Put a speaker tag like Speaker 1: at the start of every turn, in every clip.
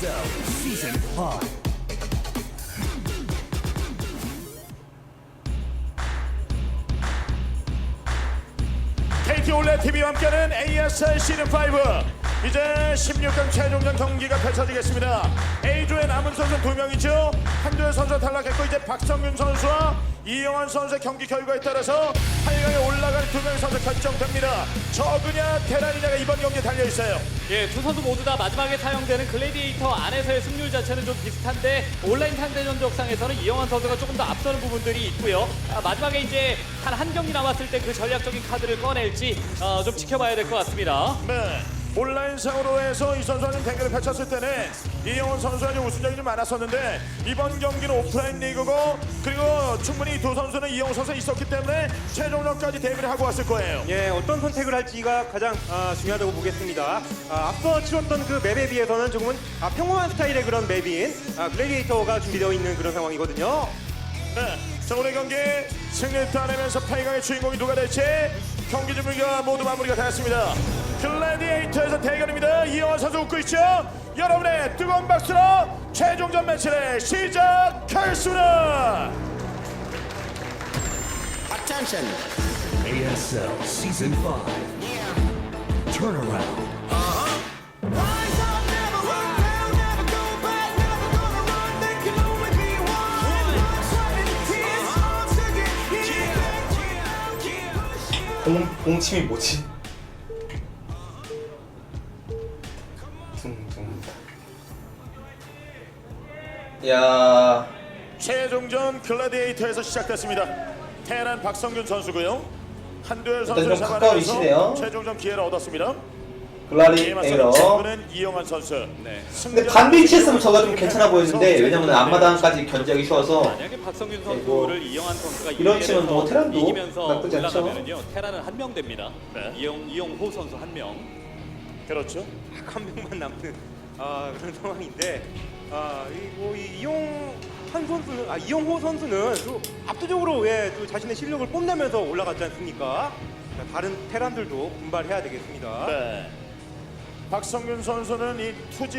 Speaker 1: ASL Season 5.
Speaker 2: KT 올레 TV와 함께하는 ASL 시즌 5 이제 16강 최종전 경기가 펼쳐지겠습니다. A조의 남은 선수 2명이죠. 한두열 선수가 탈락했고 이제 박성균 선수와 이영환 선수의 경기 결과에 따라서 8강에 올라가는 2명의 선수 결정됩니다. 저그냐 테란이냐가 이번 경기에 달려있어요.
Speaker 3: 예, 두 선수 모두 다 마지막에 사용되는 글래디에이터 안에서의 승률 자체는 좀 비슷한데 온라인 상대전 적상에서는 이영환 선수가 조금 더 앞서는 부분들이 있고요. 마지막에 이제 한 경기 남았을 때 그 전략적인 카드를 꺼낼지 좀 지켜봐야 될 것 같습니다.
Speaker 2: 네. 온라인상으로 해서 이 선수와 좀 대결을 펼쳤을 때는 이영훈 선수가 좀 우승적이 좀 많았었는데 이번 경기는 오프라인 리그고 그리고 충분히 두 선수는 이영훈 선수가 있었기 때문에 최종전까지 대비를 하고 왔을 거예요.
Speaker 4: 예, 어떤 선택을 할지가 가장 중요하다고 보겠습니다. 앞서 치렀던 그 맵에 비해서는 조금은 평범한 스타일의 그런 맵인 글래디에이터가 준비되어 있는 그런 상황이거든요.
Speaker 2: 네. 자, 오늘 경기 승리를 따내면서 8강의 주인공이 누가 될지 경기 준비가 모두 마무리가 되었습니다. 글래디에이터에서 대결입니다. 이영환 선수 웃고 있죠? 여러분의 뜨거운 박수로 최종전 매치를 시작하겠습니다.
Speaker 1: Attention. ASL Season 5. Turnaround.
Speaker 5: 공침이 뭐지? 야,
Speaker 2: 최종전 글래디에이터에서 시작됐습니다. 테란 박성균 선수고요. 한두열 선수를
Speaker 5: 일단 좀 가까우시네요.
Speaker 2: 잡아내면서 최종전 기회를 얻었습니다.
Speaker 5: 글라리
Speaker 2: 이에 맞서
Speaker 5: 에러.
Speaker 2: 저그는 이영환 선수.
Speaker 3: 네.
Speaker 5: 근데 반대 위치했으면 저가 좀 괜찮아 보였는데 왜냐면 앞마당까지 견제하기 쉬워서
Speaker 3: 만약에 박성균 선수를 이영환 선수가
Speaker 5: 이런 치면 뭐 테란도
Speaker 3: 이기면서
Speaker 5: 나쁘지 않죠.
Speaker 3: 올라가면은요. 테란은 한 명 됩니다.
Speaker 2: 네.
Speaker 3: 이영호 선수 한 명.
Speaker 2: 그렇죠.
Speaker 4: 딱 한 명만 남는 그런 상황인데 이영호 선수는 또 압도적으로 또 자신의 실력을 뽐내면서 올라갔지 않습니까? 자, 다른 테란들도 분발해야 되겠습니다.
Speaker 2: 네. 박성균 선수는 이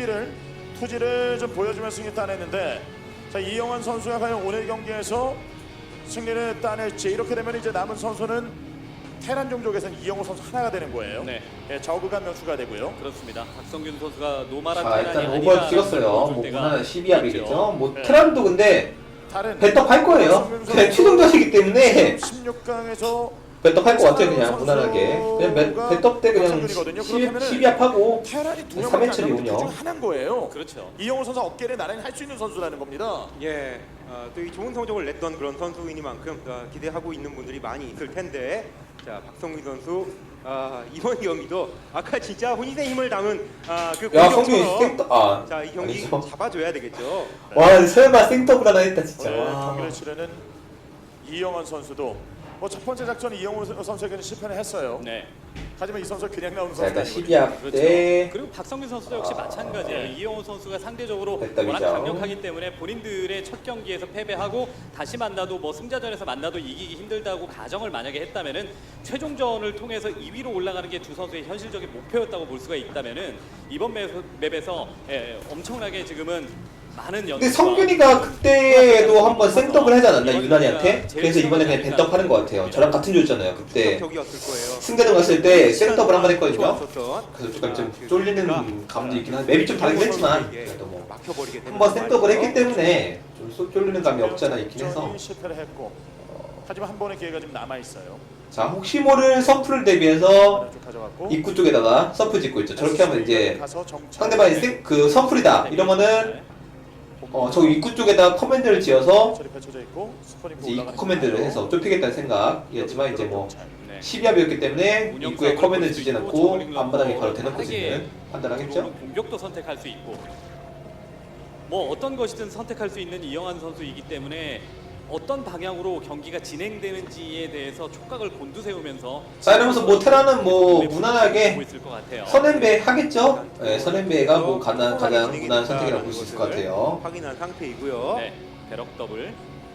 Speaker 2: 투지를 좀 보여주면서 승리 따냈는데 자, 이영환 선수가 과연 오늘 경기에서 승리를 따낼지 이렇게 되면 이제 남은 선수는 테란 종족에서는 이영호 선수 하나가 되는 거예요.
Speaker 3: 네.
Speaker 2: 예, 저그가 한 명 추가되고요.
Speaker 3: 그렇습니다. 박성균 선수가 노마라
Speaker 5: 자
Speaker 3: 테란이
Speaker 5: 일단
Speaker 3: 아니라
Speaker 5: 오버 찍었어요. 뭐
Speaker 3: 보여줄 때가
Speaker 5: 무난 12합이겠죠. 뭐
Speaker 2: 네.
Speaker 5: 테란도 근데
Speaker 2: 다른
Speaker 5: 배떡할 거예요. 그냥 최종전이기 때문에
Speaker 2: 16강에서
Speaker 5: 배떡할 것 같아요. 그냥 무난하게 그냥 배떡 때 그냥 12합하고
Speaker 2: 테란이 두
Speaker 5: 3회처리
Speaker 2: 명밖에
Speaker 5: 운영.
Speaker 2: 중 하나인 거예요.
Speaker 3: 그렇죠.
Speaker 2: 이영호 선수 어깨를 나란히 할 수 있는 선수라는 겁니다.
Speaker 4: 예, 또 이 좋은 성적을 냈던 그런 선수이니만큼 기대하고 있는 분들이 많이 있을 텐데, 자 박성균 선수 이번 경기도 아까 진짜 혼신의 힘을 담은 그
Speaker 5: 야 성균이
Speaker 4: 공격처럼 자이 경기
Speaker 5: 아니죠.
Speaker 4: 잡아줘야 되겠죠.
Speaker 5: 와 설마 생더블 하나 했다 진짜.
Speaker 2: 오늘
Speaker 5: 와.
Speaker 2: 경기를 치르는 이영환 선수도 뭐 첫 번째 작전은 이영호 선수에게는 실패를 했어요.
Speaker 3: 네.
Speaker 2: 하지만 이 선수 그냥 나오는
Speaker 5: 자
Speaker 2: 선수가
Speaker 5: 일단
Speaker 2: 아니거든요.
Speaker 5: 12합
Speaker 3: 그렇죠.
Speaker 5: 때
Speaker 3: 그리고 박성균 선수도 역시 마찬가지예요.
Speaker 2: 네.
Speaker 3: 이영호 선수가 상대적으로
Speaker 5: 백답이죠.
Speaker 3: 워낙 강력하기 때문에 본인들의 첫 경기에서 패배하고 다시 만나도 뭐 승자전에서 만나도 이기기 힘들다고 가정을 만약에 했다면은 최종전을 통해서 2위로 올라가는 게 두 선수의 현실적인 목표였다고 볼 수가 있다면은 이번 맵에서 엄청나게 지금은 많은
Speaker 5: 근데 성균이가 그때도 한번 생더블 하지 않았나 유난이한테? 그래서 이번에 그냥 벤떡 하는 것 같아요. 저랑 같은 조였잖아요 그때.
Speaker 4: 격이었을 거예요.
Speaker 5: 승대전 갔을 때 생더블 한번 했거든요.
Speaker 4: 좋았었던.
Speaker 5: 그래서 조금 좀
Speaker 4: 그
Speaker 5: 쫄리는
Speaker 4: 경기가
Speaker 5: 감도 있긴 한데 맵이 좀 다르긴 했지만
Speaker 4: 선수에게
Speaker 5: 그래도 뭐
Speaker 4: 막혀버리게 되는
Speaker 5: 한번 생더블
Speaker 4: 말이죠.
Speaker 5: 했기 때문에 좀 쫄리는 감이 없지 않아 있긴 해서.
Speaker 2: 작전이 실패를 했고 하지만 한 번의 기회가 좀 남아 있어요.
Speaker 5: 자 혹시 모를 서프를 대비해서
Speaker 2: 쭉 가져갔고
Speaker 5: 입구 쪽에다가 서프 짓고 있죠. 저렇게 하면 이제
Speaker 2: 가서 정찰.
Speaker 5: 상대방이 그 서플이다 이러면은 저 입구 쪽에다 커맨드를 지어서
Speaker 2: 처리 펼쳐져 있고 스포닝
Speaker 5: 이제 입구 커맨드를 해서 좁히겠다는 생각이었지만 이제 뭐
Speaker 3: 네.
Speaker 5: 12합이었기 때문에
Speaker 3: 운영
Speaker 5: 입구에
Speaker 3: 사업을
Speaker 5: 커맨드
Speaker 3: 볼수
Speaker 5: 지어놓고
Speaker 3: 있고 저글링
Speaker 5: 앞바닥에
Speaker 3: 넣고
Speaker 5: 걸어 대놓고
Speaker 3: 빠르게
Speaker 5: 있는 판단하겠죠?
Speaker 3: 들어오는 공격도 선택할 수 있고 뭐 어떤 것이든 선택할 수 있는 이영환 선수이기 때문에 어떤 방향으로 경기가 진행되는지에 대해서 촉각을 곤두세우면서
Speaker 5: 자 이러면서 뭐 테라는 뭐
Speaker 3: 보고
Speaker 5: 무난하게
Speaker 3: 있을 것 같아요.
Speaker 5: 선앤배 하겠죠? 네, 선앤배가 뭐 가장
Speaker 4: 진행이
Speaker 5: 무난한 선택이라고
Speaker 4: 됐다는
Speaker 5: 볼 수 있을 것
Speaker 4: 것을
Speaker 5: 같아요.
Speaker 4: 확인한 상태이고요.
Speaker 3: 네, 배럭 더블.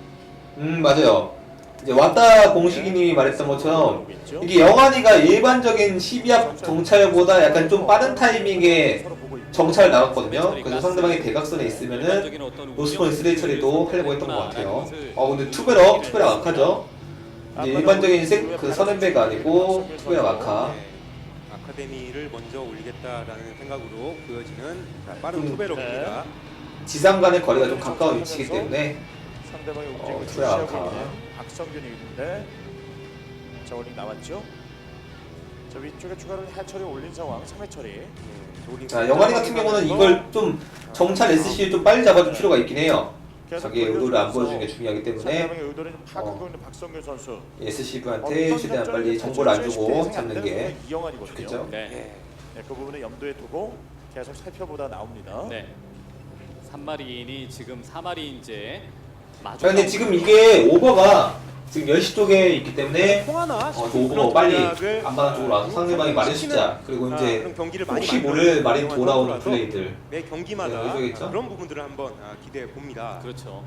Speaker 5: 맞아요. 이제 왔다 공식이님이 말했던 것처럼 이게 영환이가 일반적인 12합 정찰보다 약간 좀 빠른 타이밍에 정찰 나갔거든요. 그래서 상대방이 대각선에 있으면은
Speaker 3: 일반적인
Speaker 5: 노스포인 3 처리도 하려고 했던 것 같아요.
Speaker 3: 것을
Speaker 5: 근데 투베럭 악하죠. 이제 일반적인 그 선앤배가 아니고 투베럭 악하.
Speaker 4: 아카데미를 먼저 올리겠다라는 생각으로 보여지는 자, 빠른
Speaker 5: 좀,
Speaker 4: 투베럭입니다.
Speaker 5: 지상 간의 거리가 좀 가까운 위치이기 때문에
Speaker 2: 상대방의 움직임을
Speaker 5: 투베럭
Speaker 2: 주시하고
Speaker 5: 악하.
Speaker 2: 있는 박성균이 있는데 자 올링 나왔죠. 자 위쪽에 추가로 해처리 올린 상황 3회 처리.
Speaker 5: 자, 영환이 같은 경우는 이걸 좀 정찰 SC 좀 빨리 잡아줄 필요가 있긴 해요. 자기의 의도를 안 보여주는 게 중요하기 때문에
Speaker 2: 상대방의 의도를 좀 파악하고 있는 박성균 선수.
Speaker 5: SCV한테 최대한 빨리 정보를 안 주고 잡는 게
Speaker 2: 이영환이거든요.
Speaker 5: 좋겠죠.
Speaker 3: 네.
Speaker 2: 네, 그 부분을 염두에 두고 계속 살펴보다 나옵니다.
Speaker 3: 네. 3마리인이 지금 4마리인제 마주.
Speaker 5: 자, 근데 지금 이게 오버가 지금 10시 쪽에 있기 때문에
Speaker 4: 통하나?
Speaker 5: 그 오버가 빨리 안마당 쪽으로 와서 상대방이 마린 숫자 그리고 이제
Speaker 4: 그런 경기를 많이
Speaker 5: 혹시 모를 마린
Speaker 4: 만들어내는
Speaker 5: 돌아오는
Speaker 4: 선수라서
Speaker 5: 플레이들
Speaker 4: 매 경기마다
Speaker 5: 네, 의도겠죠?
Speaker 4: 그런 부분들을 한번 기대해 봅니다.
Speaker 3: 그렇죠.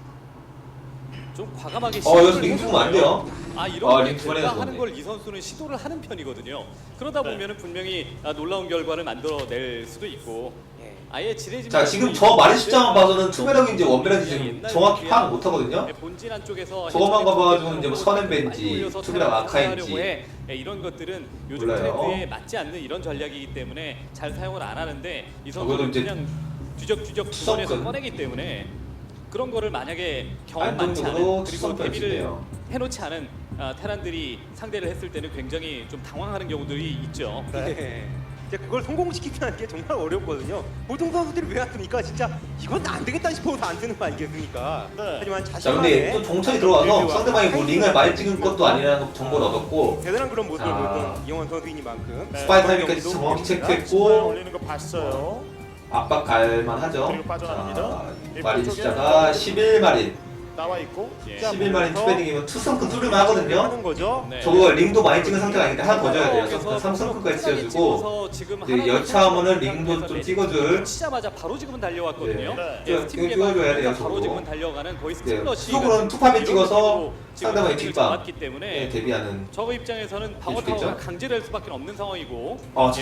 Speaker 3: 좀 과감하게
Speaker 5: 여기서 링 주면 안 돼요.
Speaker 3: 이런
Speaker 5: 링 두 번이나
Speaker 3: 하는
Speaker 5: 줬네.
Speaker 3: 걸 이 선수는 시도를 하는 편이거든요. 그러다
Speaker 2: 네.
Speaker 3: 보면은 분명히 놀라운 결과를 만들어낼 수도 있고
Speaker 4: 예.
Speaker 3: 아예 지레짐.
Speaker 5: 자, 지금 저 마린 숫자만 봐서는 투베럭인지 원베럭인지 지금 정확히 파악 못 하거든요.
Speaker 3: 본진 안쪽에서
Speaker 5: 저것만 봐가지고는 이제 뭐 선앤배인지 투베럭 아카인지
Speaker 3: 이런 것들은 요즘
Speaker 5: 몰라요.
Speaker 3: 트렌드에 맞지 않는 이런 전략이기 때문에 잘 사용을 안 하는데 이
Speaker 5: 적어도
Speaker 3: 선수는
Speaker 5: 이제
Speaker 3: 그냥 뒤적뒤적 주머니에서
Speaker 5: 투석근.
Speaker 3: 꺼내기 때문에 그런 거를 만약에 경험 많지
Speaker 5: 안정적으로
Speaker 3: 않은 그리고
Speaker 5: 투석근
Speaker 3: 대비를
Speaker 5: 치네요.
Speaker 3: 해놓지 않은 테란들이 상대를 했을 때는 굉장히 좀 당황하는 경우들이 있죠.
Speaker 4: 네. 이제 그걸 성공시키는 게 정말 어렵거든요. 보통 선수들이 왜 안 쓰니까 진짜 이건 안 되겠다 싶어서 안 쓰는 거 아니겠습니까?
Speaker 2: 네.
Speaker 4: 하지만
Speaker 5: 자, 근데
Speaker 4: 자신만의
Speaker 5: 또 정찰이 들어와서 상대방이 뭐 링을 많이 찍은 것도 아니라는 정보를 얻었고
Speaker 4: 대단한 그런 모습을
Speaker 5: 자.
Speaker 4: 보였던 이영환 선수이니만큼
Speaker 2: 네.
Speaker 5: 스파이 타이밍까지 정확히 체크했고
Speaker 2: 올리는 거 봤어요.
Speaker 5: 압박 갈만 하죠.
Speaker 2: 그리고 빠져나갑니다.
Speaker 5: 자, 마린 숫자가 11마린
Speaker 2: 나와 있고.
Speaker 3: 예.
Speaker 2: 자,
Speaker 5: 11마린 투베딩이면 투성큰 뚫으면 하거든요.
Speaker 4: 하는 거죠.
Speaker 3: 네.
Speaker 5: 저거 링도 많이 찍은 상태가 아닌데 하나 더 줘야 돼요.
Speaker 3: 그래서
Speaker 5: 3성큰까지 찍어주고
Speaker 3: 찍어서 지금
Speaker 5: 이제
Speaker 3: 하나
Speaker 5: 여차하면은
Speaker 3: 더
Speaker 5: 링도 좀
Speaker 3: 상태에서
Speaker 5: 찍어줄
Speaker 3: 치자마자 바로 지금은 달려왔거든요.
Speaker 2: 네.
Speaker 3: 예,
Speaker 5: 이거
Speaker 3: 스팀
Speaker 5: 찍어줘야 돼요,
Speaker 3: 바로
Speaker 5: 저거.
Speaker 3: 지금은 달려가는 거의
Speaker 5: 네,
Speaker 3: 스팀러시.
Speaker 5: 수속으로는 투팝에 찍어서 상대방의 뒷방
Speaker 3: 잡았기 때문에
Speaker 5: 대비하는
Speaker 3: 저거 입장에서는 방어
Speaker 5: 해주겠죠?
Speaker 3: 타워가 강제될 수밖에 없는 상황이고.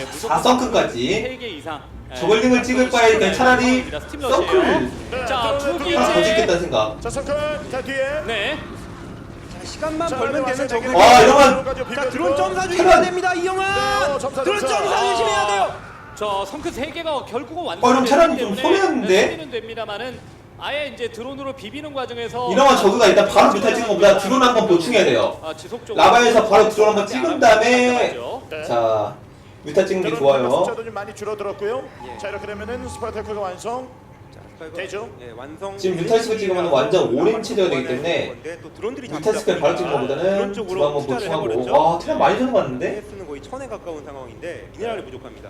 Speaker 5: 4성큰까지
Speaker 3: 3개 이상.
Speaker 5: 저글링을 찍을 바에 그냥 차라리
Speaker 3: 스팀러시예요.
Speaker 5: 서클
Speaker 3: 자, 두
Speaker 2: 네.
Speaker 5: 하나 더
Speaker 3: 개째.
Speaker 5: 찍겠다는 생각.
Speaker 2: 자, 석근 자 뒤에.
Speaker 3: 네.
Speaker 4: 자, 시간만
Speaker 2: 자,
Speaker 4: 벌면 되는
Speaker 2: 와서
Speaker 4: 저거.
Speaker 5: 이러면
Speaker 4: 자, 드론 점사
Speaker 5: 테란.
Speaker 4: 주시면 됩니다, 이영환.
Speaker 2: 네, 점사,
Speaker 4: 드론
Speaker 2: 점사.
Speaker 4: 점사 주시면 돼요.
Speaker 3: 저 성크 3개가 결국은
Speaker 5: 그럼
Speaker 3: 완성이
Speaker 5: 테란이
Speaker 3: 되기
Speaker 5: 좀
Speaker 3: 때문에
Speaker 5: 손해였는데?
Speaker 3: 수비는 됩니다만은 아예 이제 드론으로 비비는 과정에서
Speaker 5: 이러면 저그가 일단 바로 뮤탈 찍는 것보다 드론 한번 보충해야 돼요.
Speaker 3: 지속적으로
Speaker 5: 라바에서 바로 드론 한번 찍은 다음에
Speaker 2: 네.
Speaker 5: 자 뮤탈 찍는 게
Speaker 2: 드론
Speaker 5: 좋아요.
Speaker 2: 숫자도 좀 많이 줄어들었고요.
Speaker 4: 예.
Speaker 2: 자, 이렇게 되면은 스파이테크가 완성.
Speaker 4: 자, 스파이크,
Speaker 2: 되죠?
Speaker 4: 예, 완성.
Speaker 5: 지금 뮤탈스크 찍으면 완전 오랜 체제가 되기 때문에
Speaker 4: 건데 또 드론들이
Speaker 5: 뮤탈스크를 바로 찍는 것보다는 드론 한번 보충하고 와 테란 많이 주는 것 같은데?
Speaker 4: 쓰는 거의 1000에 가까운 상황인데 미네랄이 부족합니다.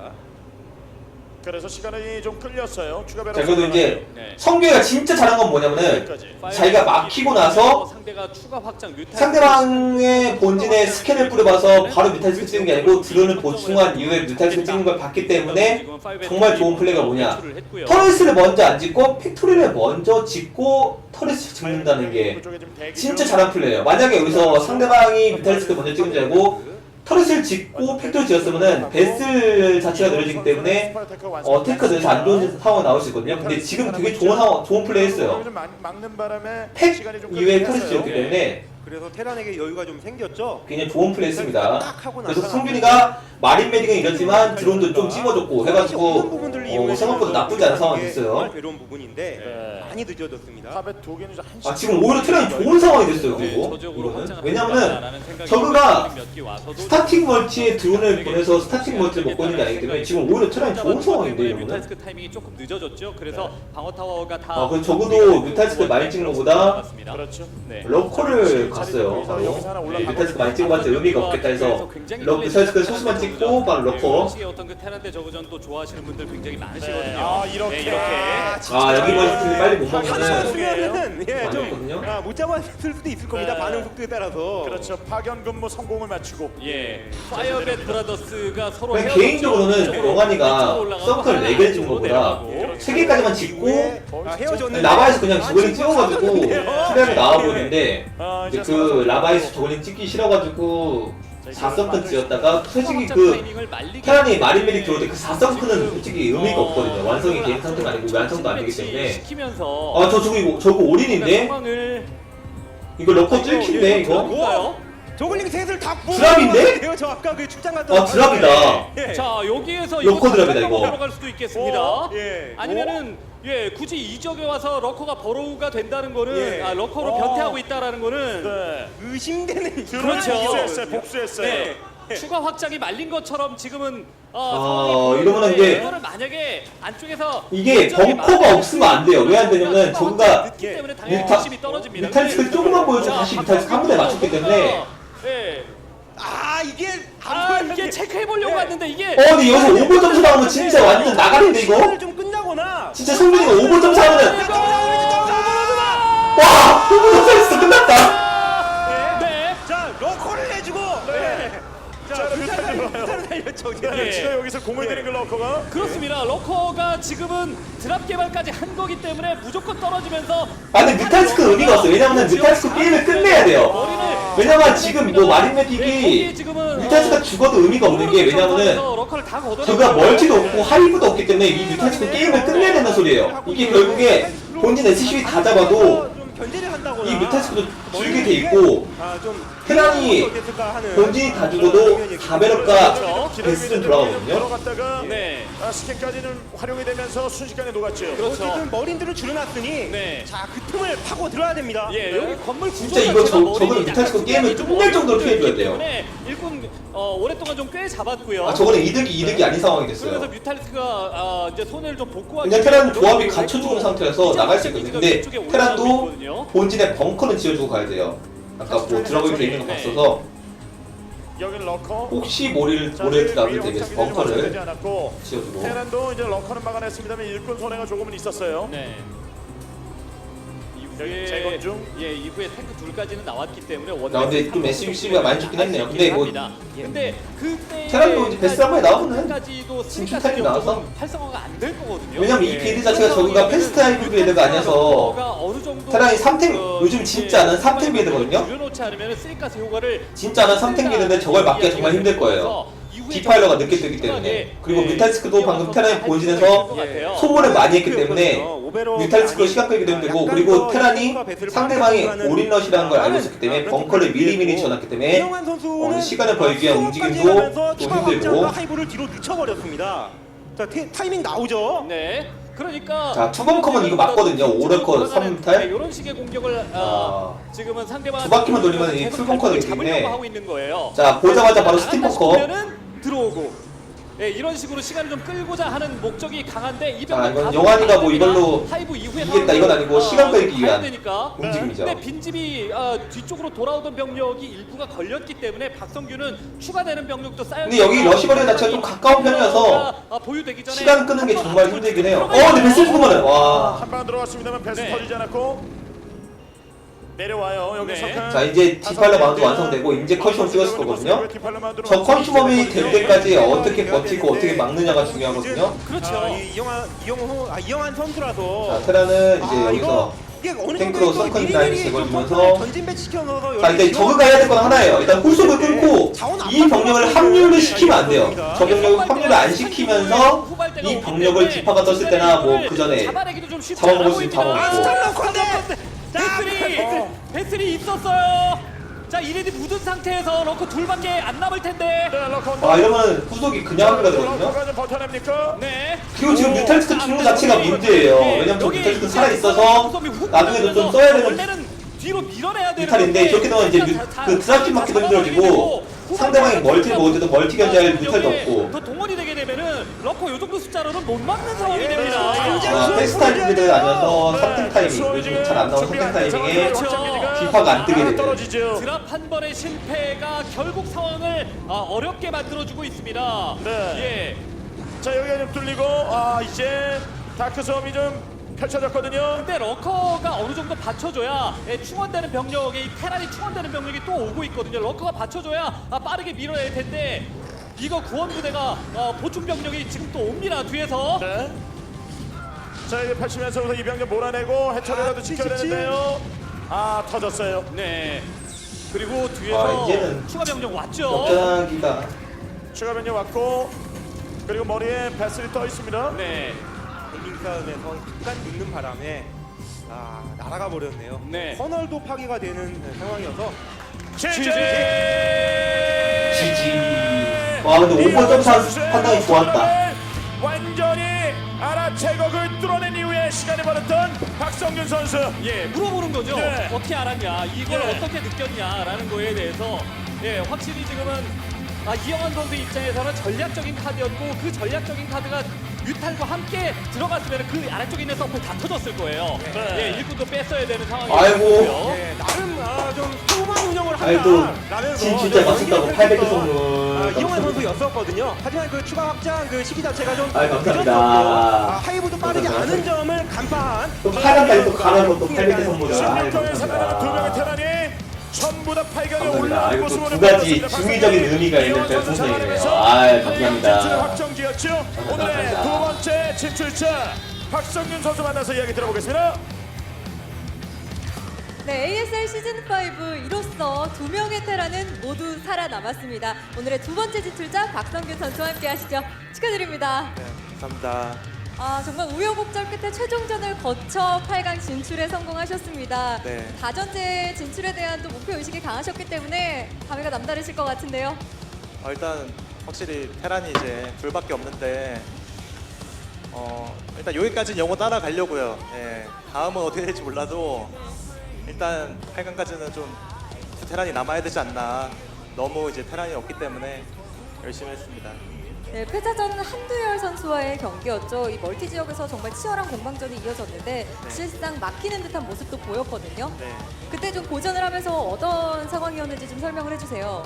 Speaker 2: 그래서 시간이 좀 끌렸어요. 추가 배로.
Speaker 5: 자 그래도 이제
Speaker 3: 네.
Speaker 5: 성규가 진짜 잘한 건 뭐냐면은
Speaker 2: 여기까지.
Speaker 5: 자기가 막히고 나서
Speaker 3: 상대가 추가 확장 뮤탈
Speaker 5: 상대방의 본진에 스캔을 뿌려봐서 바로 뮤탈스크 찍는 게 아니고 드론을 보충한 이후에 뮤탈스크 찍는 걸 봤기 때문에 정말 좋은 플레이가 뭐냐 터렛을 먼저 안 짓고 팩토리를 먼저 짓고 터렛을 짓는다는 게
Speaker 2: 그쪽에 지금 대기
Speaker 5: 진짜
Speaker 2: 중.
Speaker 5: 잘한 플레이예요. 만약에 여기서 상대방이 뮤탈스크 먼저 찍은 줄 알고 터렛을 짓고 팩토리 지었으면은 베슬 자체가 느려지기 때문에 테크가 늘어서 안 좋은 상황이 나올 수 있거든요. 근데 지금 되게 좋은 플레이 했어요.
Speaker 2: 막는 바람에
Speaker 5: 팩
Speaker 2: 시간이 좀
Speaker 5: 이외에
Speaker 2: 끌리긴
Speaker 5: 터렛을
Speaker 2: 했어요.
Speaker 5: 지었기 때문에
Speaker 4: 그래서 테란에게 여유가 좀 생겼죠.
Speaker 5: 굉장히 좋은 플레이 했습니다. 그래서 성균이가 마린 메딕은 이렇지만 드론도 좀 찍어줬고 해가지고 생각보다 나쁘지 않은 상황이 됐어요.
Speaker 4: 괴로운 부분인데
Speaker 2: 네.
Speaker 4: 많이 늦어졌습니다.
Speaker 2: 탑에 두 개는 이제 한
Speaker 5: 지금 오히려 테란이 좋은 상황이 됐어요.
Speaker 3: 네,
Speaker 5: 그리고
Speaker 3: 저쪽으로
Speaker 5: 이거는
Speaker 3: 확장을
Speaker 5: 왜냐면은
Speaker 3: 하겠다라는 생각이
Speaker 5: 저그가
Speaker 3: 몇개 와서도
Speaker 5: 스타팅 멀티에 드론을 보내서 스타팅 멀티를 먹고 있는 게 아니기 때문에 지금 오히려 테란이 좋은 상황인데 이러면은
Speaker 3: 뮤탈스크 타이밍이 조금 늦어졌죠. 그래서 방어 타워가 다
Speaker 5: 그래서 적어도 뮤탈스크 많이 찍는 것보다
Speaker 2: 그렇죠.
Speaker 3: 네.
Speaker 5: 러커를 갔어요. 바로 뮤탈스크 많이 찍어봤자 의미가 없겠다 해서 뮤탈스크 소스만 찍고 바로 러커.
Speaker 3: 식의 어떤 그 테란대 저그전도 좋아하시는 분들 굉장히 많으시거든요.
Speaker 2: 네. 아, 이렇게.
Speaker 3: 네, 이렇게.
Speaker 5: 여기 멀티 빨리 못
Speaker 4: 하나
Speaker 5: 먹으면은
Speaker 4: 쓰면은 예,
Speaker 5: 많이
Speaker 4: 좀
Speaker 5: 없거든요.
Speaker 4: 못 잡았을 수도 있을 겁니다.
Speaker 2: 네.
Speaker 4: 반응 속도에 따라서.
Speaker 2: 그렇죠. 파견 근무 성공을 마치고.
Speaker 3: 예, 파이어벳 브라더스가 서로
Speaker 5: 그냥
Speaker 3: 헤어졌죠.
Speaker 5: 개인적으로는
Speaker 3: 이쪽으로
Speaker 5: 영환이가
Speaker 3: 올라가고
Speaker 5: 서클
Speaker 3: 하나
Speaker 5: 4개를 찍은 것보다
Speaker 3: 내려가고.
Speaker 5: 3개까지만 찍고
Speaker 4: 헤어졌는데
Speaker 5: 라바에서 그냥 저글링 찍어가지고
Speaker 4: 아,
Speaker 5: 수량이 나와 보이는데
Speaker 2: 아,
Speaker 5: 이제 그 라바에서 저글링 찍기 싫어가지고 4성큰 지었다가 솔직히 그 테란이 마린메딕 들어올 때 그 4성큰은 솔직히 의미가 없거든요. 완성이 된 상태가 아니고 완성도 안 되기 때문에.
Speaker 3: 시키면서
Speaker 5: 아 저거 올인인데?
Speaker 3: 상황을
Speaker 5: 이거 러커 뚫긴데 이거?
Speaker 3: 뭔가요?
Speaker 4: 저글링 셋을 다
Speaker 5: 드랍인데?
Speaker 4: 뽑아요. 저 아까 그 출장 갔던
Speaker 5: 아 드랍이다.
Speaker 4: 예.
Speaker 3: 자 여기에서
Speaker 5: 러커 드랍이다, 이거.
Speaker 3: 들어갈 수도 있겠습니다.
Speaker 4: 예.
Speaker 3: 아니면은 굳이 이 지역에 와서 러커가 버로우가 된다는 거는
Speaker 4: 예.
Speaker 3: 러커로 변태하고 있다라는 거는
Speaker 2: 네.
Speaker 4: 의심되는
Speaker 3: 그렇죠.
Speaker 2: 복수했어요. 복수했어요.
Speaker 3: 네. 추가 확장이 말린 것처럼 지금은
Speaker 5: 이러면은 이제
Speaker 3: 이거를 만약에 안쪽에서
Speaker 5: 이게
Speaker 3: 굉장히
Speaker 5: 벙커가
Speaker 3: 많은
Speaker 5: 없으면 안 돼요. 왜 안 되냐면
Speaker 3: 추가
Speaker 5: 저거가
Speaker 3: 확장이 늦기 때문에 당연히 욕심이 떨어집니다.
Speaker 5: 뮤탈리스크 조금만 보여주고 다시 뮤탈리스크 한 번에 맞췄기 때문에.
Speaker 4: 이게
Speaker 3: 이게 체크해 보려고 했는데 이게
Speaker 5: 근데 여기서 5번 점수 나오면 진짜 완전 나가는데 이거?
Speaker 4: 시간을 좀 끝나거나
Speaker 5: 진짜 성민이가 5번 점수 하면은 와! 5번 점수 했어 끝났다!
Speaker 3: 네.
Speaker 4: 자 러커를 내주고 자 뮤탈을 살렸죠.
Speaker 2: 네. 지금 여기서 공을 들인 걸 러커가.
Speaker 3: 그렇습니다. 러커가 지금은 드랍 개발까지 한 거기 때문에 무조건 떨어지면서
Speaker 5: 근데 뮤탈리스크 의미가 없어. 왜냐면은 뮤탈리스크 게임을 끝내야 돼요.
Speaker 3: 머리를
Speaker 5: 왜냐면 지금 뭐
Speaker 3: 거기에
Speaker 5: 마린메딕이
Speaker 3: 지금은
Speaker 5: 뮤탈리스크가 죽어도 의미가 없는 게 왜냐면은
Speaker 3: 러커를 다 걷어내고
Speaker 5: 저가 멀티도 없고 하이브도 없기 때문에 이 뮤탈리스크 게임을 끝내야 되는 소리예요. 이게 결국에 본진 SCV 다 잡아도
Speaker 4: 좀 견제를 한다거나
Speaker 5: 이 뮤탈리스크도 줄게 돼 있고
Speaker 4: 좀
Speaker 5: 테란이 본진이 다 죽어도 4배럭과 베스는 돌아가거든요.
Speaker 2: 들어갔다가
Speaker 3: 네.
Speaker 2: 스캔까지는 활용이 되면서 순식간에 녹았죠.
Speaker 4: 어쨌든 머린들을 줄여놨으니
Speaker 3: 네.
Speaker 4: 자 그 틈을 파고 들어야 됩니다.
Speaker 3: 여기 건물 구조
Speaker 5: 진짜 이거 저거는 뮤탈리스크 게임을 끝낼 정도로 피해줘야 돼요.
Speaker 3: 일꾼 오랫동안 좀 꽤 잡았고요.
Speaker 5: 저거는 이득이 아닌 상황이
Speaker 3: 그래서
Speaker 5: 됐어요.
Speaker 3: 뮤탈리스크가 이제 손해를 좀 복구하기
Speaker 5: 그냥 테란
Speaker 3: 위해서
Speaker 5: 조합이
Speaker 3: 노력을
Speaker 5: 갖춰 죽은
Speaker 3: 했고,
Speaker 5: 상태여서 나갈 수 있거든요. 근데
Speaker 3: 이쪽에 올라가고
Speaker 5: 테란도
Speaker 3: 있거든요.
Speaker 5: 본진에 벙커는 지어주고 가야 돼요. 아까 뭐 드라곤이 돼 있는 거 봤어서
Speaker 2: 여기는 러커.
Speaker 5: 혹시 모래를 드랍을 대비해서 벙커를 지어주고.
Speaker 2: 테란도 이제 러커는 막아냈습니다만 일꾼 손해가 조금은 있었어요.
Speaker 3: 네.
Speaker 2: 여기 재건 중.
Speaker 3: 이후에 탱크 둘까지는 나왔기 때문에
Speaker 5: 근데 좀 SCV가 많이 죽긴 했네요. 근데 뭐
Speaker 3: 근데 그때
Speaker 5: 테란도 이제 베스 한 번에 나오면은
Speaker 3: 까지도
Speaker 5: 진출 타임이 나와서.
Speaker 3: 활성화가 안 될 거거든요.
Speaker 5: 왜냐면 이 빌드 자체가 저거가 패스트 하이브 빌드가 아니어서 테란이 3탱 요즘 진짜 안 하는 3탱 빌드거든요.
Speaker 3: 줄여놓지 않으면 쓰리가스 효과를
Speaker 5: 진짜 안 하는 3탱 빌드인데 저걸 막기가 정말 힘들 거예요. 디파일러가 늦게 뜨기 때문에. 그리고 뮤탈리스크도 방금 테란이 본진에서 소모를 많이 했기 때문에 뮤탈리스크로 시간 끌기도 힘들고, 그리고 테란이 상대방이 올인러시라는 걸 알고 있었기 때문에 벙커를 미리미리 지어놨기 때문에 시간을 벌기 위한 움직임도 또 힘들고.
Speaker 4: 하이브를 뒤로 늦춰버렸습니다. 자 타이밍 나오죠.
Speaker 3: 네. 그러니까
Speaker 5: 자, 투벙커면 이거 맞거든요. 5래커 3탈.
Speaker 3: 이런 식의 공격을 지금은 상대방
Speaker 5: 두 바퀴만 돌리면 이 풀벙커가 되기 때문에.
Speaker 3: 잡으려고 하고 있는 거예요.
Speaker 5: 자, 보자마자 바로 스팀벙커.
Speaker 3: 들어오고. 이런 식으로 시간을 좀 끌고자 하는 목적이 강한데 이
Speaker 5: 자,
Speaker 3: 병력
Speaker 5: 이건
Speaker 3: 다
Speaker 5: 영환이가 뭐 이걸로
Speaker 3: 하이브 이후에
Speaker 5: 이기겠다 이건 아니고 시간 끌기 위한
Speaker 3: 되니까.
Speaker 5: 움직임이죠.
Speaker 3: 근데 빈집이 뒤쪽으로 돌아오던 병력이 일부가 걸렸기 때문에 박성규는 추가되는 병력도 쌓여.
Speaker 5: 근데 여기 러시버리 자체가 좀 가까운 편이어서
Speaker 3: 보유되기 전에
Speaker 5: 시간 끄는 게 정말 힘들긴 해요. 근데 베슬 죽으면은 와.
Speaker 2: 한 방 들어갔습니다만 패스
Speaker 3: 네.
Speaker 2: 터지지 않았고 내려와요. 여기
Speaker 3: 네.
Speaker 2: 석한.
Speaker 5: 자, 이제 디팔러 마운드 완성되고 이제 컨슈머 찍었을 거거든요. 저 컨슈머이 될 때까지 어떻게 버티고 어떻게 막느냐가 중요하거든요.
Speaker 3: 그렇죠.
Speaker 4: 이영환 선수라서.
Speaker 5: 자, 테라는 이제 여기서
Speaker 4: 이게 어느
Speaker 5: 탱크로
Speaker 4: 정도
Speaker 5: 서컨
Speaker 4: 미리미리
Speaker 5: 라인
Speaker 4: 좀
Speaker 5: 제거해주면서.
Speaker 4: 전진 배치켜서
Speaker 5: 자, 근데 저그가 해야 될 건 하나예요. 일단 홀속을 끊고 이 병력을 합류를 시키면 안 돼요. 저 병력을 합류를 안 시키면서 이 병력을 디파가 떴을 때나 뭐 그 전에
Speaker 3: 잡아내기도 좀 쉽지
Speaker 5: 잡아먹을
Speaker 3: 않아
Speaker 5: 수 있는
Speaker 3: 보입니다.
Speaker 5: 잡아먹고.
Speaker 3: 배슬이 있었어요. 자, 이레디 묻은 상태에서 러커 둘밖에 안 남을 텐데.
Speaker 5: 이러면 후속이 그냥 합류가 되거든요.
Speaker 2: 러커가 좀 버텨냅니까?
Speaker 3: 네.
Speaker 5: 그리고 지금 뮤탈리스크 주는 자체가 문제예요. 왜냐면 저 뮤탈리스크 살아있어서 나중에도 좀 써야 되는
Speaker 3: 원래는 뒤로 밀어내야 되는
Speaker 5: 뮤탈인데, 저렇게 되면 이제 그 드랍팀 맞기도 힘들어지고 상대방이 멀티를 먹을 때도 멀티 견제할 뮤탈도 없고.
Speaker 3: 더 동원이 되게 되면은 러커 요 정도 숫자로는 못 막는 상황이 됩니다.
Speaker 5: 패스트 타이밍들 아니어서 3탱 타이밍, 요즘 잘 안 나오는 3탱 타이밍에 디파가 안 뜨게 되죠.
Speaker 2: 떨어지죠.
Speaker 3: 드랍 한 번의 실패가 결국 상황을 어렵게 만들어주고 있습니다.
Speaker 2: 네. 자, 여기가 좀 뚫리고 이제 다크 섬이 좀 펼쳐졌거든요.
Speaker 3: 근데 러커가 어느 정도 받쳐줘야 충원되는 병력이 테란이 충원되는 병력이 또 오고 있거든요. 러커가 받쳐줘야 빠르게 밀어낼 텐데 이거 구원부대가 보충 병력이 지금 또 옵니다 뒤에서.
Speaker 2: 네. 자, 이제 펼치면서 이 병력 몰아내고 해처리라도 지켜야 되는데요. 터졌어요.
Speaker 3: 네. 그리고 뒤에서
Speaker 5: 이제는
Speaker 3: 추가 병력 왔죠.
Speaker 5: 역전하기가
Speaker 2: 추가 변경 왔고 그리고 머리에 배슬이 떠 있습니다.
Speaker 3: 네.
Speaker 4: 힐링 싸움에서 약간 늦는 바람에 날아가 버렸네요.
Speaker 3: 네.
Speaker 4: 커널도 파괴가 되는 상황이어서
Speaker 2: GG!
Speaker 5: 지지. 와 근데 5번 점수 판단이 좋았다.
Speaker 2: 완전히 알아채곡을 뚫어낸 이후에 시간이 벌었던 박성균 선수.
Speaker 3: 예, 물어보는 거죠.
Speaker 2: 네.
Speaker 3: 어떻게 알았냐, 이걸
Speaker 2: 네.
Speaker 3: 어떻게 느꼈냐라는 거에 대해서 예, 확실히 지금은 이영환 선수 입장에서는 전략적인 카드였고 그 전략적인 카드가 뮤탈과 함께 들어갔으면 그 아래쪽에 있는 서플 다 터졌을 거예요.
Speaker 2: 네.
Speaker 3: 예, 일꾼도 뺐어야 되는 상황이었고요.
Speaker 5: 아이고.
Speaker 4: 네, 나름 좀 소만 운영을
Speaker 5: 아이고,
Speaker 4: 한다라면서
Speaker 5: 진짜 맞췄다고 800개 선물.
Speaker 4: 이영환 선수였었거든요. 하지만 그 추가 확장 그 시기 자체가 좀
Speaker 5: 아이, 감사합니다.
Speaker 4: 늦었었고, 하이브도 빠르지
Speaker 5: 감사합니다.
Speaker 4: 않은 점을 간파한
Speaker 5: 또 8강까지 또 가면서 또 800개 선물을.
Speaker 2: 16강에 살아남은 두 명의 테란이 전부 다 8강에
Speaker 5: 감사합니다.
Speaker 2: 올라온
Speaker 5: 이거
Speaker 2: 모습으로
Speaker 5: 두 가지
Speaker 2: 보여줬습니다.
Speaker 5: 중의적인 의미가 있는
Speaker 2: 이영환 선수
Speaker 5: 별풍선이네요.
Speaker 2: 살아나면서
Speaker 5: 아이, 감사합니다.
Speaker 2: 진출을 확정지었죠. 오늘의
Speaker 5: 감사합니다.
Speaker 2: 두 번째 진출자 박성균 선수 만나서 이야기 들어보겠습니다.
Speaker 6: 네, ASL 시즌5 이로써 두 명의 테란은 모두 살아남았습니다. 오늘의 두 번째 진출자 박성균 선수와 함께 하시죠. 축하드립니다.
Speaker 4: 감사합니다.
Speaker 6: 정말 우여곡절 끝에 최종전을 거쳐 8강 진출에 성공하셨습니다.
Speaker 7: 네.
Speaker 6: 다전제 진출에 대한 또 목표 의식이 강하셨기 때문에 감회가 남다르실 것 같은데요.
Speaker 7: 일단 확실히 테란이 이제 둘밖에 없는데 일단 여기까지는 영어 따라가려고요. 예, 다음은 어떻게 될지 몰라도 일단 8강까지는 좀 테란이 남아야 되지 않나. 너무 이제 테란이 없기 때문에 열심히 했습니다.
Speaker 6: 네, 패자전은 한두열 선수와의 경기였죠. 이 멀티 지역에서 정말 치열한 공방전이 이어졌는데 실상 막히는 듯한 모습도 보였거든요.
Speaker 7: 네.
Speaker 6: 그때 좀 고전을 하면서 어떤 상황이었는지 좀 설명을 해주세요.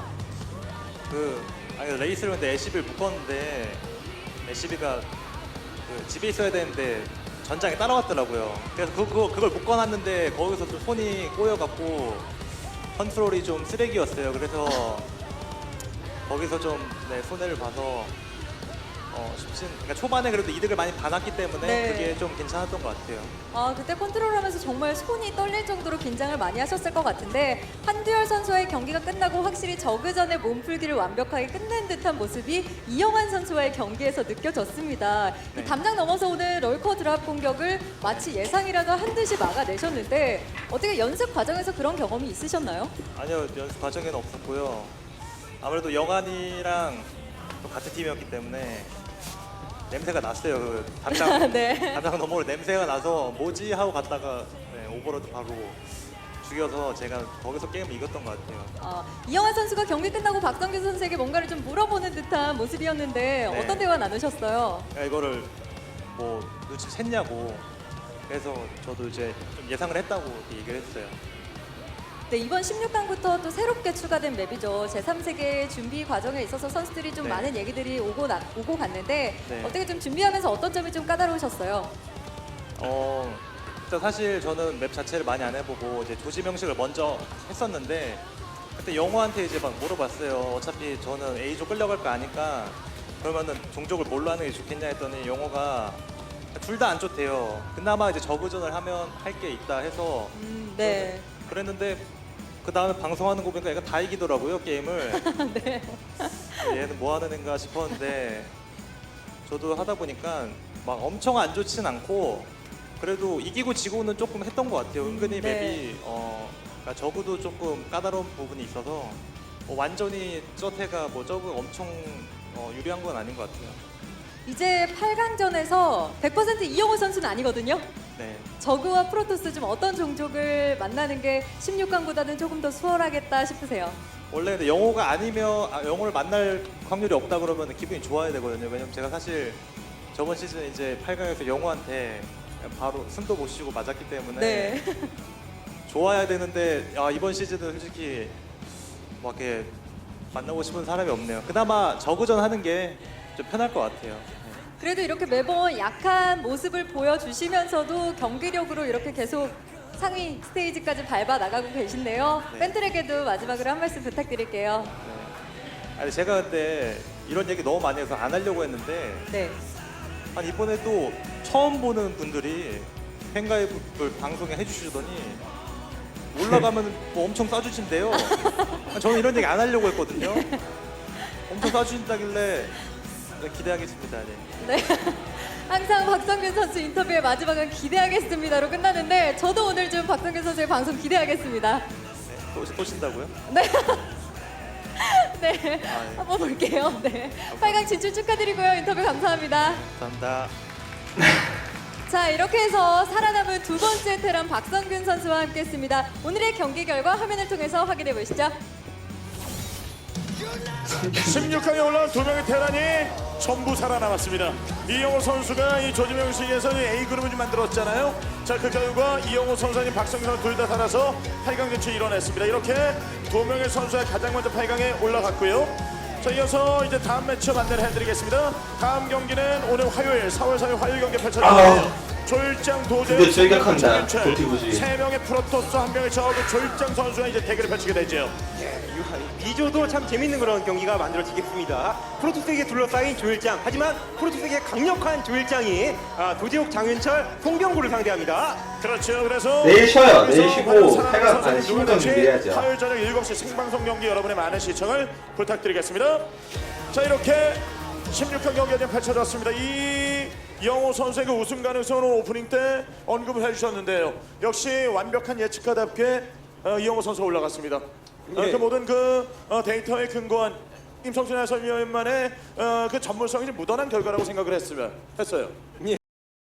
Speaker 7: 레이스를 근데 LCB를 묶었는데 LCB가 집에 있어야 되는데 전장에 따라왔더라고요. 그래서 그걸 묶어놨는데 거기서 좀 손이 꼬여갖고 컨트롤이 좀 쓰레기였어요. 그래서 거기서 좀 손해를 봐서 그러니까 초반에 그래도 이득을 많이 받았기 때문에
Speaker 6: 네.
Speaker 7: 그게 좀 괜찮았던 것 같아요.
Speaker 6: 그때 컨트롤하면서 정말 손이 떨릴 정도로 긴장을 많이 하셨을 것 같은데 한두열 선수와의 경기가 끝나고 확실히 저그전의 몸풀기를 완벽하게 끝낸 듯한 모습이 이영환 선수와의 경기에서 느껴졌습니다.
Speaker 7: 네.
Speaker 6: 이 담장 넘어서 오는 럴커 드랍 공격을 마치 예상이라도 한 듯이 막아내셨는데 어떻게 연습 과정에서 그런 경험이 있으셨나요?
Speaker 7: 아니요, 연습 과정에는 없었고요. 아무래도 영환이랑 또 같은 팀이었기 때문에 냄새가 났어요. 그 담장
Speaker 6: 네.
Speaker 7: 담장 너머로 냄새가 나서 뭐지 하고 갔다가 오버로드 바로 죽여서 제가 거기서 게임을 이겼던 것 같아요.
Speaker 6: 이영환 선수가 경기 끝나고 박성균 선수에게 뭔가를 좀 물어보는 듯한 모습이었는데
Speaker 7: 네.
Speaker 6: 어떤 대화 나누셨어요?
Speaker 7: 이거를 뭐 눈치챘냐고. 그래서 저도 이제 좀 예상을 했다고 이렇게 얘기를 했어요.
Speaker 6: 네, 이번 16강부터 또 새롭게 추가된 맵이죠. 제3세계 준비 과정에 있어서 선수들이 좀
Speaker 7: 네.
Speaker 6: 많은 얘기들이 오고 갔는데
Speaker 7: 네.
Speaker 6: 어떻게 좀 준비하면서 어떤 점이 좀 까다로우셨어요?
Speaker 7: 일단 사실 저는 맵 자체를 많이 안 해보고 이제 조지 명식을 먼저 했었는데 그때 영호한테 이제 막 물어봤어요. 어차피 저는 A조 끌려갈 거 아니까 그러면은 종족을 뭘로 하는 게 좋겠냐 했더니 영호가 둘 다 안 좋대요. 그나마 이제 저그전을 하면 할 게 있다 해서
Speaker 6: 네.
Speaker 7: 그랬는데 그 다음에 방송하는 거 보니까 얘가 다 이기더라고요 게임을.
Speaker 6: 네.
Speaker 7: 얘는 뭐 하는 애인가 싶었는데 저도 하다 보니까 막 엄청 안 좋진 않고 그래도 이기고 지고는 조금 했던 것 같아요. 은근히
Speaker 6: 네.
Speaker 7: 맵이 그러니까 저그도 조금 까다로운 부분이 있어서 완전히 저태가 뭐 저그 엄청 유리한 건 아닌 것 같아요.
Speaker 6: 이제 8강전에서 100% 이영호 선수는 아니거든요.
Speaker 7: 네.
Speaker 6: 저그와 프로토스 좀 어떤 종족을 만나는 게 16강보다는 조금 더 수월하겠다 싶으세요?
Speaker 7: 원래 근데 영호가 아니면 영호를 만날 확률이 없다 그러면 기분이 좋아야 되거든요. 왜냐면 제가 사실 저번 시즌 이제 8강에서 영호한테 바로 승도 못 쉬고 맞았기 때문에
Speaker 6: 네.
Speaker 7: 좋아야 되는데 이번 시즌은 솔직히 막 이렇게 만나고 싶은 사람이 없네요. 그나마 저그전 하는 게 좀 편할 것 같아요.
Speaker 6: 그래도 이렇게 매번 약한 모습을 보여주시면서도 경기력으로 이렇게 계속 상위 스테이지까지 밟아 나가고 계신데요.
Speaker 7: 네.
Speaker 6: 팬들에게도 마지막으로 한 말씀 부탁드릴게요.
Speaker 7: 아니 제가 근데 이런 얘기 너무 많이 해서 안 하려고 했는데
Speaker 6: 네.
Speaker 7: 아니 이번에도 처음 보는 분들이 팬가입을 방송에 해주시더니 올라가면 뭐 엄청 쏴주신대요. 저는 이런 얘기 안 하려고 했거든요. 엄청 쏴주신다길래 기대하겠습니다. 네.
Speaker 6: 네. 항상 박성균 선수 인터뷰의 마지막은 기대하겠습니다로 끝나는데 저도 오늘 좀 박성균 선수의 방송 기대하겠습니다.
Speaker 7: 또 신다고요?
Speaker 6: 네. 네. 한번 볼게요. 네. 8강 진출 축하드리고요. 인터뷰 감사합니다.
Speaker 7: 감사합니다.
Speaker 6: 자, 이렇게 해서 살아남은 두 번째 테란 박성균 선수와 함께했습니다. 오늘의 경기 결과 화면을 통해서 확인해 보시죠.
Speaker 2: 16강에 올라온 두 명의 테란이 전부 살아남았습니다. 이영호 선수가 이 조지명식에서 A그룹을 좀 만들었잖아요. 자, 그 결과 이영호 선수님 박성균 선수 둘 다 살아서 8강 진출 이뤄냈습니다. 이렇게 두 명의 선수가 가장 먼저 8강에 올라갔고요. 자, 이어서 이제 다음 매치업 안내를 해드리겠습니다. 다음 경기는 오늘 화요일 4월 4일 화요일 경기 펼쳐지는데요. 졸장 도제
Speaker 5: 근데 출격한다, 도티부지.
Speaker 2: 세 명의 프로토스 한 명의 저그 졸장 선수가 이제 대결을 펼치게 되죠.
Speaker 4: 비조도 참 재밌는 그런 경기가 만들어지겠습니다. 프로토스에게 둘러싸인 조일장, 하지만 프로토스에게 강력한 조일장이 도지욱, 장윤철, 송병구를 상대합니다.
Speaker 2: 그렇죠. 그래서
Speaker 5: 내일 쉬어요. 내일
Speaker 2: 그래서
Speaker 5: 쉬고
Speaker 2: 화요일 사랑
Speaker 5: 8강
Speaker 2: 선수
Speaker 5: 아니 16강
Speaker 2: 누구든지
Speaker 5: 준비해야죠.
Speaker 2: 화요일 저녁 7시 생방송 경기 여러분의 많은 시청을 부탁드리겠습니다. 자, 이렇게 16강 경기가 지금 펼쳐졌습니다. 이영호 선수의 그 우승 가능성을 오프닝 때 언급을 해주셨는데요. 역시 완벽한 예측가답게 이영호 선수가 올라갔습니다.
Speaker 4: 예.
Speaker 2: 그 모든 데이터에 근거한 임성준 해설위원만의 그 전문성이 좀 묻어난 결과라고 생각을 했어요.
Speaker 4: 예,